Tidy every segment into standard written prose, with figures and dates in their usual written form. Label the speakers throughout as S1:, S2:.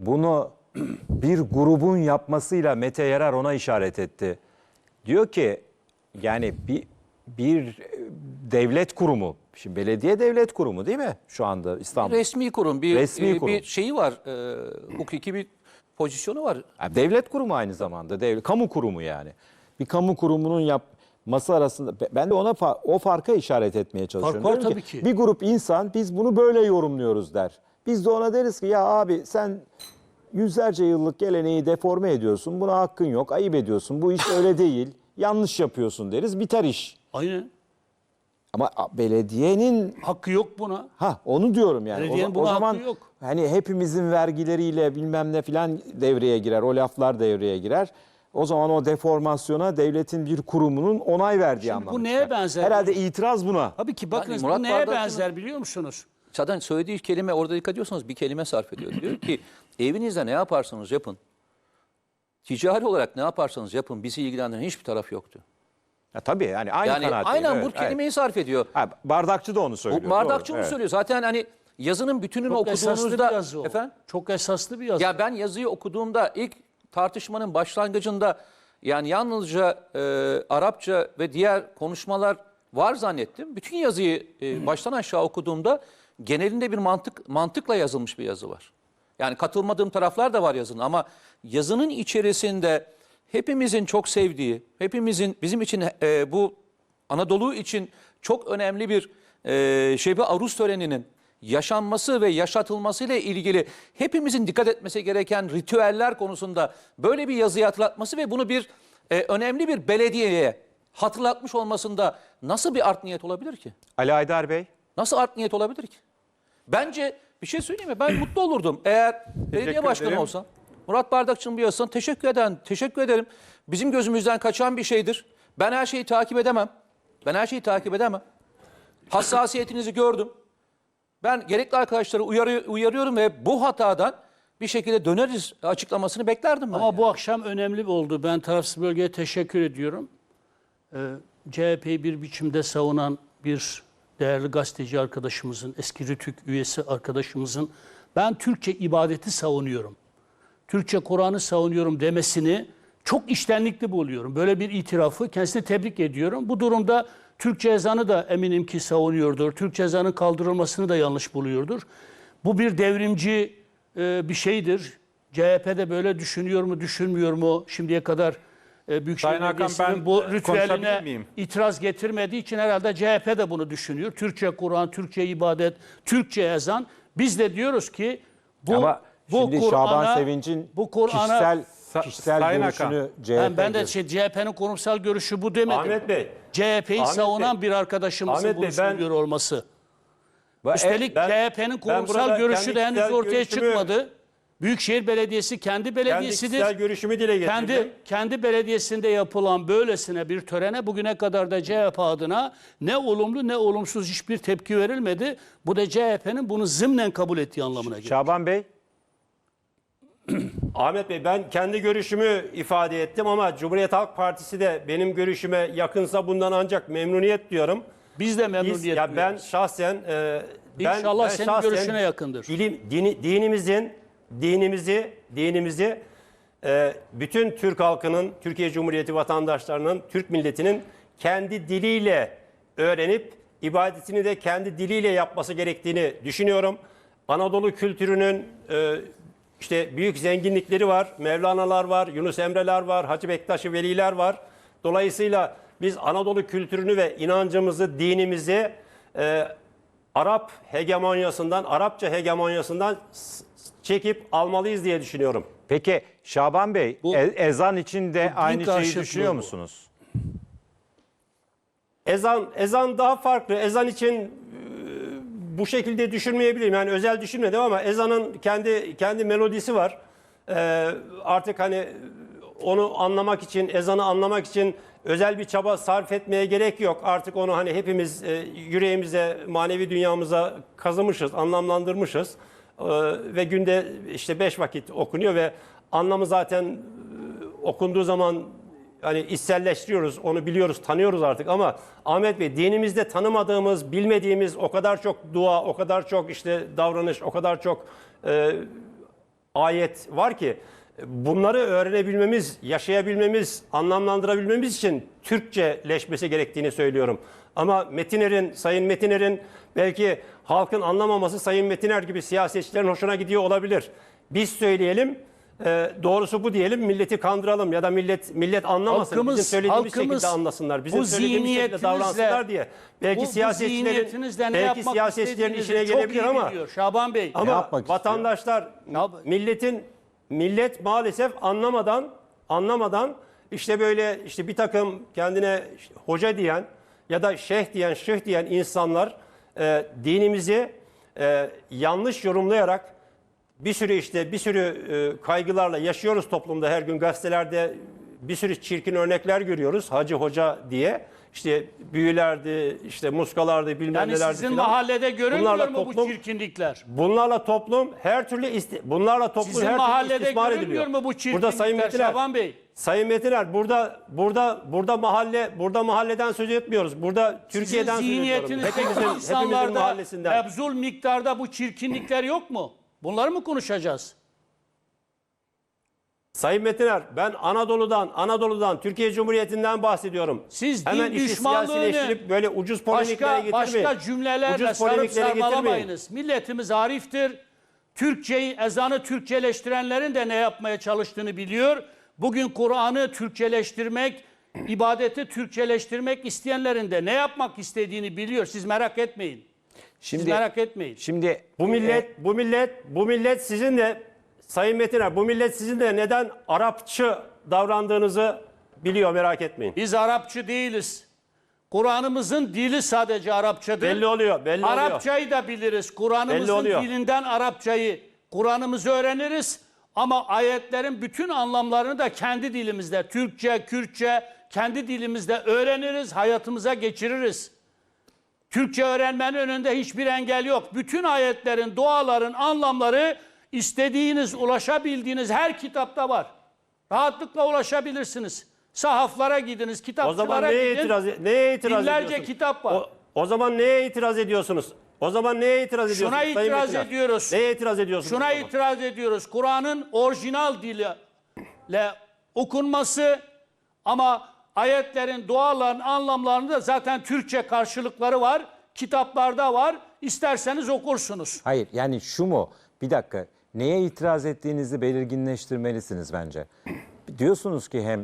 S1: bunu bir grubun yapmasıyla Mete Yarar ona işaret etti. Diyor ki yani bir devlet kurumu, şimdi belediye devlet kurumu değil mi şu anda İstanbul?
S2: Resmi kurum,
S1: Resmi kurum.
S2: bir şeyi var, hukuki bir pozisyonu var.
S1: Yani devlet kurumu aynı zamanda, kamu kurumu yani. Bir kamu kurumunun yapması arasında ben de o farka işaret etmeye çalışıyorum.
S3: Fark var
S1: Diyorum
S3: tabii ki.
S1: Bir grup insan biz bunu böyle yorumluyoruz der. Biz de ona deriz ki ya abi sen yüzlerce yıllık geleneği deforme ediyorsun. Buna hakkın yok, ayıp ediyorsun. Bu iş öyle değil. Yanlış yapıyorsun deriz. Biter iş.
S3: Aynen.
S1: Ama belediyenin
S3: Hakkı yok buna.
S1: onu diyorum yani.
S3: Belediyenin
S1: O
S3: buna
S1: zaman
S3: hakkı yok.
S1: hani hepimizin vergileriyle bilmem ne filan devreye girer. O laflar devreye girer. O zaman o deformasyona devletin bir kurumunun onay verdiği anlamına
S3: bu neye
S1: çıkar.
S3: benzer?
S1: Herhalde itiraz buna.
S3: Tabii ki bakın
S2: Yani Murat
S3: bu neye
S2: Bardakçı'nın-
S3: benzer biliyor musunuz?
S2: Zaten söylediği kelime, orada dikkat ediyorsanız bir kelime sarf ediyor. Diyor ki evinizde ne yaparsanız yapın, ticari olarak ne yaparsanız yapın, bizi ilgilendiren hiçbir taraf yoktu.
S1: Tabii yani aynı
S2: Yani
S1: kanaatteyim.
S2: aynen
S1: Evet,
S2: bu kelimeyi sarf ediyor.
S1: Bardakçı da onu söylüyor.
S2: O Bardakçı
S1: doğru,
S2: onu
S1: evet.
S2: söylüyor. Zaten hani yazının bütününü
S3: Çok esaslı bir
S2: okuduğunuzda...
S3: yazı o.
S2: Efendim?
S3: Çok esaslı bir yazı.
S2: Ya ben yazıyı okuduğumda ilk tartışmanın başlangıcında yani yalnızca Arapça ve diğer konuşmalar var zannettim. Bütün yazıyı baştan aşağı okuduğumda genelinde bir mantıkla yazılmış bir yazı var. Yani katılmadığım taraflar da var yazının ama yazının içerisinde hepimizin çok sevdiği, hepimizin bizim için bu Anadolu için çok önemli bir Şebi Aruz töreninin yaşanması ve yaşatılması ile ilgili hepimizin dikkat etmesi gereken ritüeller konusunda böyle bir yazıyı hatırlatması ve bunu bir önemli bir belediyeye hatırlatmış olmasında nasıl bir art niyet olabilir ki?
S1: Ali Aydar Bey.
S2: Nasıl art niyet olabilir ki? Bence bir şey söyleyeyim mi? Ben mutlu olurdum eğer belediye başkanı
S1: ederim.
S2: olsam. Murat Bardakçı'nın bu yazısına teşekkür ederim. Bizim gözümüzden kaçan bir şeydir. Ben her şeyi takip edemem. Hassasiyetinizi gördüm. Ben gerekli arkadaşları uyarıyorum ve bu hatadan bir şekilde döneriz açıklamasını beklerdim ben.
S3: Ama bu akşam önemli oldu. Ben tarafsız bölgeye teşekkür ediyorum. CHP'yi bir biçimde savunan bir değerli gazeteci arkadaşımızın, eski RTÜK üyesi arkadaşımızın ben Türkçe ibadeti savunuyorum, Türkçe Kur'an'ı savunuyorum demesini çok içtenlikli buluyorum. Böyle bir itirafı kendisine tebrik ediyorum. Bu durumda Türkçe ezanı da eminim ki savunuyordur. Türkçe ezanın kaldırılmasını da yanlış buluyordur. Bu bir devrimci bir şeydir. CHP de böyle düşünüyor mu, düşünmüyor mu? Şimdiye kadar Büyükşehir
S4: Sayın Hakan,
S3: Belediyesi'nin
S4: ben
S3: bu
S4: konuşabilir
S3: ritüeline
S4: miyim?
S3: itiraz getirmediği için herhalde CHP de bunu düşünüyor. Türkçe Kur'an, Türkçe ibadet, Türkçe ezan. Biz de diyoruz ki
S1: Ama şimdi Şaban Sevinç'in kişisel
S4: Sayın
S1: görüşünü
S4: Hakan.
S1: CHP
S3: ben de CHP'nin kurumsal görüşü bu demedim.
S4: Ahmet Bey.
S3: CHP'yi
S4: Ahmet
S3: savunan
S4: Bey.
S3: bir arkadaşımızın
S4: Ahmet
S3: bunu
S4: Bey, ben-
S3: söylüyor olması. Üstelik
S4: ben
S3: CHP'nin
S4: burada
S3: kurumsal görüşü
S4: kendi
S3: de henüz
S4: kişisel
S3: ortaya
S4: görüşümü-
S3: çıkmadı. Büyükşehir Belediyesi kendi
S4: kendi
S3: belediyesidir.
S4: kişisel görüşümü dile getirdim.
S3: Kendi belediyesinde yapılan böylesine bir törene bugüne kadar da CHP adına ne olumlu ne olumsuz hiçbir tepki verilmedi. Bu da CHP'nin bunu zımnen kabul ettiği anlamına gelir.
S1: Şaban Bey.
S4: Ahmet Bey, ben kendi görüşümü ifade ettim ama Cumhuriyet Halk Partisi de benim görüşüme yakınsa bundan ancak memnuniyet duyuyorum.
S3: Biz de memnuniyet
S4: Ya ben
S3: duyuyoruz.
S4: şahsen
S3: İnşallah
S4: ben
S3: senin
S4: şahsen
S3: görüşüne yakındır.
S4: Dinimizi bütün Türk halkının, Türkiye Cumhuriyeti vatandaşlarının, Türk milletinin kendi diliyle öğrenip ibadetini de kendi diliyle yapması gerektiğini düşünüyorum. Anadolu kültürünün işte büyük zenginlikleri var. Mevlana'lar var, Yunus Emre'ler var, Hacı Bektaş-ı Veliler var. Dolayısıyla biz Anadolu kültürünü ve inancımızı, dinimizi Arap hegemonyasından, Arapça hegemonyasından çekip almalıyız diye düşünüyorum.
S1: Peki Şaban Bey,
S3: Bu-
S1: ezan için de aynı şeyi
S3: karşıtlığı
S1: düşünüyor
S3: bu.
S1: musunuz?
S4: Ezan daha farklı. Ezan için bu şekilde düşünmeyebilirim. Yani özel düşünmedim ama ezanın kendi melodisi var. Artık hani onu anlamak için, ezanı anlamak için özel bir çaba sarf etmeye gerek yok. Artık onu hani hepimiz yüreğimize, manevi dünyamıza kazımışız, anlamlandırmışız. Ve günde işte 5 vakit okunuyor ve anlamı zaten okunduğu zaman hani içselleştiriyoruz, onu biliyoruz, tanıyoruz artık ama Ahmet Bey, dinimizde tanımadığımız, bilmediğimiz o kadar çok dua, o kadar çok işte davranış, o kadar çok ayet var ki bunları öğrenebilmemiz, yaşayabilmemiz, anlamlandırabilmemiz için Türkçeleşmesi gerektiğini söylüyorum. Ama Sayın Metiner'in belki halkın anlamaması Sayın Metiner gibi siyasetçilerin hoşuna gidiyor olabilir. Biz söyleyelim, doğrusu bu diyelim, milleti kandıralım ya da millet anlamasın, bizim söylediğimiz şekilde anlasınlar, bizim söylediğimiz şekilde davransınlar diye. Belki siyasetçilerin işine gelebilir ama
S3: Şaban Bey.
S4: ama vatandaşlar, millet maalesef anlamadan işte böyle işte bir takım kendine işte hoca diyen ya da şeyh diyen insanlar dinimizi yanlış yorumlayarak bir sürü kaygılarla yaşıyoruz toplumda, her gün gazetelerde bir sürü çirkin örnekler görüyoruz. Hacı hoca diye işte büyülerdi, işte muskalardı, bilmem
S3: Yani
S4: nelerdi
S3: sizin
S4: filan.
S3: mahallede görünmüyor mu bu çirkinlikler?
S4: Bunlarla toplum her türlü
S3: Sizin
S4: her türlü
S3: mahallede
S4: istismar
S3: görünmüyor
S4: ediliyor.
S3: mu bu çirkinlikler
S4: Burada Sayın Metiner,
S3: Şaban Bey?
S4: Sayın Metiner, burada mahalleden söz etmiyoruz. Burada Türkiye'den söz ediyorum.
S3: Zihniyetinizdeki
S4: Hepimizin
S3: insanlarda
S4: mahallesinden.
S3: mebzul miktarda bu çirkinlikler yok mu? Bunları mı konuşacağız?
S4: Sayın Metiner, ben Anadolu'dan, Türkiye Cumhuriyeti'nden bahsediyorum.
S3: Siz din
S4: hemen işi
S3: düşmanlığını
S4: siyasileştirip böyle ucuz polemiklere getirmeyin.
S3: başka cümlelerle
S4: Ucuz
S3: sarıp
S4: polemiklere
S3: sarmalamayınız. Milletimiz ariftir. Ezanı Türkçeleştirenlerin de ne yapmaya çalıştığını biliyor. Bugün Kur'an'ı Türkçeleştirmek, ibadeti Türkçeleştirmek isteyenlerin de ne yapmak istediğini biliyor. Siz merak etmeyin. Siz merak etmeyin.
S1: Şimdi
S4: Bu millet sizin de Sayın Metiner, bu millet sizin de neden Arapçı davrandığınızı biliyor, merak etmeyin.
S3: Biz Arapçı değiliz. Kur'an'ımızın dili sadece Arapçadır.
S4: Belli oluyor.
S3: Arapçayı da biliriz. Kur'an'ımızın dilinden Kur'an'ımızı öğreniriz. Ama ayetlerin bütün anlamlarını da kendi dilimizde, Türkçe, Kürtçe, kendi dilimizde öğreniriz, hayatımıza geçiririz. Türkçe öğrenmenin önünde hiçbir engel yok. Bütün ayetlerin, duaların anlamları istediğiniz, ulaşabildiğiniz her kitapta var. Rahatlıkla ulaşabilirsiniz. Sahaflara gidiniz, kitapçılara
S4: O zaman
S3: gidin.
S4: neye itiraz
S3: Binlerce
S4: ediyorsunuz?
S3: kitap var.
S4: O zaman neye itiraz ediyorsunuz?
S3: Şuna itiraz ediyoruz.
S4: Neye itiraz ediyorsunuz?
S3: Şuna itiraz ediyoruz. Kur'an'ın orijinal diliyle okunması ama ayetlerin, duaların anlamlarında zaten Türkçe karşılıkları var. Kitaplarda var. İsterseniz okursunuz.
S1: hayır, yani şu mu? Bir dakika. Neye itiraz ettiğinizi belirginleştirmelisiniz bence. Diyorsunuz ki hem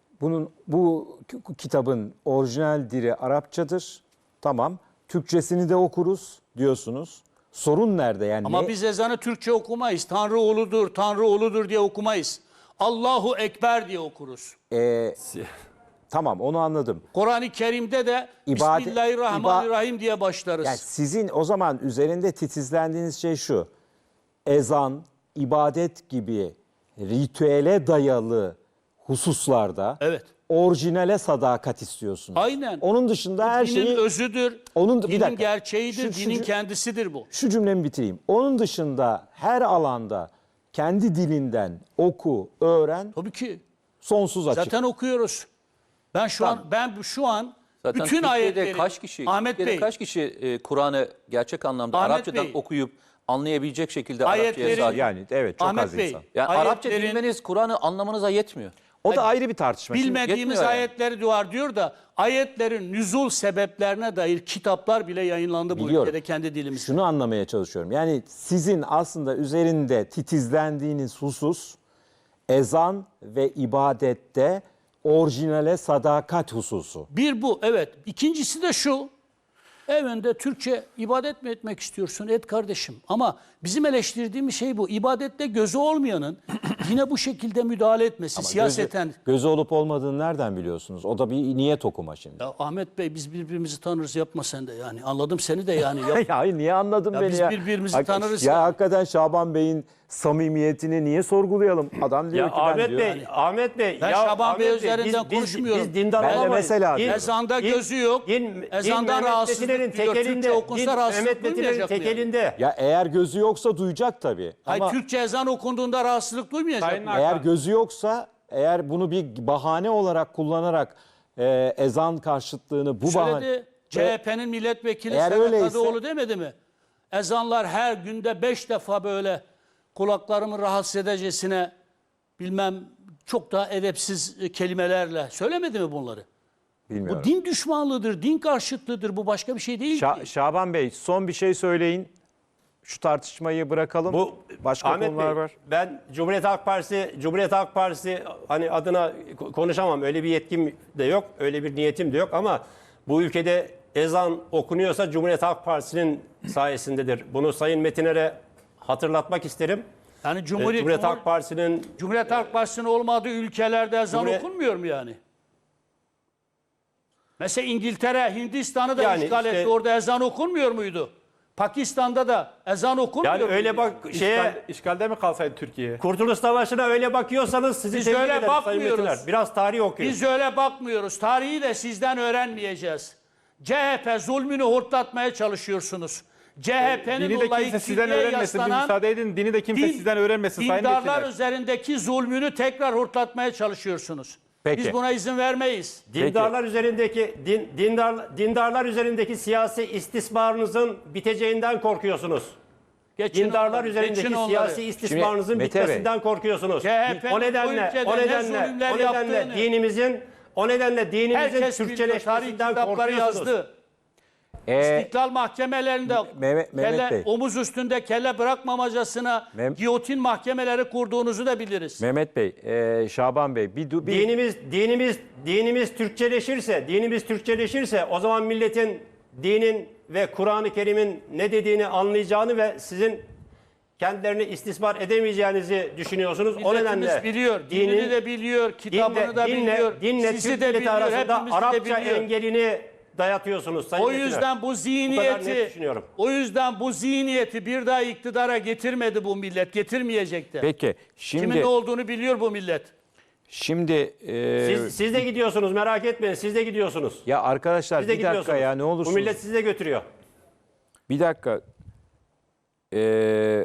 S1: bu kitabın orijinal dili Arapçadır. Tamam. Türkçesini de okuruz diyorsunuz. Sorun nerede yani?
S3: Ama biz ezanı Türkçe okumayız. Tanrı oğludur, Tanrı oğludur diye okumayız. Allahu Ekber diye okuruz.
S1: Tamam, onu anladım.
S3: Kur'an-ı Kerim'de de Bismillahirrahmanirrahim diye başlarız.
S1: Yani sizin o zaman üzerinde titizlendiğiniz şey şu. Ezan, ibadet gibi ritüele dayalı hususlarda
S3: Evet.
S1: orijinale sadakat istiyorsunuz.
S3: Aynen.
S1: Onun dışında her
S3: Dinin
S1: şeyi...
S3: özüdür,
S1: bir
S3: dinin
S1: dakika.
S3: gerçeğidir, dinin kendisidir bu.
S1: Şu cümlemi bitireyim. Onun dışında her alanda kendi dilinden oku, öğren,
S3: Tabii ki.
S1: sonsuz açık.
S3: Zaten okuyoruz. Ben şu an
S2: Zaten
S3: bütün
S2: Türkiye'de
S3: ayetleri
S2: kaç kişi Kur'an'ı gerçek anlamda
S3: Ahmet
S2: Arapçadan
S3: Bey.
S2: okuyup anlayabilecek şekilde
S3: Ayetleri-
S2: Arapçaya sahip?
S1: Yani evet, çok
S3: Ahmet
S1: az
S3: Bey,
S1: insan.
S2: Yani Arapça
S3: ayetlerin-
S2: bilmeniz Kur'an'ı anlamanıza yetmiyor.
S1: O da ayrı bir tartışma. Şimdi
S3: bilmediğimiz
S2: yetmiyor yani.
S3: ayetleri var diyor da ayetlerin nüzul sebeplerine dair kitaplar bile yayınlandı bu
S1: Biliyorum.
S3: ülkede kendi dilimizde.
S1: şunu anlamaya çalışıyorum. Yani sizin aslında üzerinde titizlendiğiniz husus ezan ve ibadette orijinale sadakat hususu.
S3: Bir bu, evet. İkincisi de şu. Evinde Türkçe ibadet mi etmek istiyorsun? Et kardeşim. Ama bizim eleştirdiğimiz şey bu. İbadette gözü olmayanın yine bu şekilde müdahale etmesi siyaseten.
S1: Gözü olup olmadığını nereden biliyorsunuz? O da bir niyet okuma şimdi.
S3: Ya Ahmet Bey biz birbirimizi tanırız, yapma sen de yani. Anladım seni de yani. Yap.
S1: Ya hayır, niye anladın
S3: Ya
S1: beni
S3: biz
S1: ya?
S3: birbirimizi tanırız
S1: Ya
S3: ya.
S1: hakikaten Şaban Bey'in samimiyetini niye sorgulayalım? Adam diyor
S4: Ya
S1: ki ben diyor.
S4: Ahmet Bey.
S3: Ben
S4: ya
S3: Şaban
S4: Ahmet
S3: Bey
S4: Bey,
S3: üzerinden konuşmuyorum.
S4: Biz dindar
S1: Ben de
S4: olamayız.
S1: mesela
S4: Din-
S1: diyorum.
S3: Ezanda gözü yok. Ezandan
S4: Mehmet
S3: rahatsızlık
S4: Metinler'in
S3: duyuyor. Türkçe
S4: tekelinde.
S3: okunsa rahatsızlık
S4: Mehmet Metinler'in
S3: duymayacak mı yani?
S4: tekelinde.
S1: Ya eğer gözü yoksa duyacak tabii.
S3: Hayır,
S1: Ama
S3: Türkçe ezan okunduğunda rahatsızlık duymayacak mı?
S1: eğer gözü yoksa, eğer bunu bir bahane olarak kullanarak ezan karşıtlığını bu bahane...
S3: Söyledi. CHP'nin milletvekili
S1: Eğer
S3: Sedat
S1: öyleyse-
S3: Kadıoğlu demedi mi? Ezanlar her günde 5 defa böyle kulaklarımı rahatsız edecesine bilmem çok daha edepsiz kelimelerle söylemedi mi bunları?
S1: Bilmiyorum.
S3: Bu din düşmanlığıdır, din karşıtlığıdır. Bu başka bir şey değil ki.
S1: Şaban Bey son bir şey söyleyin. Şu tartışmayı bırakalım.
S4: Bu
S1: Başka
S4: Ahmet
S1: konular
S4: Bey,
S1: var.
S4: ben Cumhuriyet Halk Partisi hani adına konuşamam. Öyle bir yetkim de yok, öyle bir niyetim de yok ama bu ülkede ezan okunuyorsa Cumhuriyet Halk Partisi'nin sayesindedir. Bunu Sayın Metiner'e hatırlatmak isterim.
S3: Yani
S4: Cumhuriyet Halk Partisi'nin
S3: Cumhuriyet Halk Partisi'nin olmadığı ülkelerde ezan
S4: Cumhuriyet-
S3: okunmuyor mu yani? Mesela İngiltere, Hindistan'ı da
S4: Yani
S3: işgal
S4: işte-
S3: etti. Orada ezan okunmuyor muydu? Pakistan'da da ezan okunmuyor
S4: yani
S3: muydu?
S4: öyle bak
S5: İşgalde mi kalsaydı Türkiye?
S4: Kurtuluş Savaşı'na öyle bakıyorsanız sizi
S3: Biz
S4: tebrik
S3: öyle
S4: ederim Sayın
S3: bakmıyoruz.
S4: Metiner. Biraz tarih okuyun.
S3: Biz öyle bakmıyoruz. Tarihi de sizden öğrenmeyeceğiz. CHP zulmünü hortlatmaya çalışıyorsunuz. CHP'nin
S5: Dini de kimse sizden öğrenmesin. Bir müsaade edin. Dini de kimse sizden öğrenmesin. Sayın
S3: dindarlar
S5: Metiner.
S3: üzerindeki zulmünü tekrar hortlatmaya çalışıyorsunuz.
S1: Peki.
S3: Biz buna izin vermeyiz.
S4: Dindarlar üzerindeki siyasi istismarınızın biteceğinden korkuyorsunuz.
S3: Geçin
S4: Dindarlar
S3: onları,
S4: üzerindeki
S3: geçin onları.
S4: siyasi istismarınızın
S1: Şimdi Mete Bey,
S4: bitmesinden korkuyorsunuz.
S3: CHP'nin bu ülkede ne zulümler yaptığını
S4: O nedenle dinimizin
S3: herkes biliyor. Tarih
S4: Türkçeleşmesinden
S3: kitapları
S4: korkuyorsunuz.
S3: yazdı. İstiklal mahkemelerinde
S1: Mehmet Bey.
S3: omuz üstünde kelle bırakmamacasına giyotin mahkemeleri kurduğunuzu da biliriz.
S1: Mehmet Bey, Şaban Bey
S4: Dinimiz Türkçeleşirse o zaman milletin dinin ve Kur'an-ı Kerim'in ne dediğini anlayacağını ve sizin kendilerini istismar edemeyeceğinizi düşünüyorsunuz. O
S3: Milletimiz
S4: nedenle
S3: biliyor, dinini de biliyor, kitabını da biliyor,
S4: dinle
S3: sizi
S4: Türk
S3: de
S4: milleti
S3: biliyor,
S4: arasında
S3: hepimizi de
S4: Arapça
S3: biliyor.
S4: engelini dayatıyorsunuz Sayın
S3: O
S4: Metiner.
S3: yüzden bu
S4: net
S3: zihniyeti,
S4: düşünüyorum.
S3: o yüzden bu zihniyeti bir daha iktidara getirmedi bu millet, getirmeyecek de.
S1: peki
S3: Kimin
S1: şimdi
S3: ne olduğunu biliyor bu millet.
S4: Siz de gidiyorsunuz, merak etmeyin, siz de gidiyorsunuz.
S1: ya arkadaşlar
S4: Siz de
S1: bir dakika
S4: gidiyorsunuz.
S1: ya ne
S4: Bu
S1: olursunuz.
S4: millet sizi de götürüyor.
S1: Bir dakika.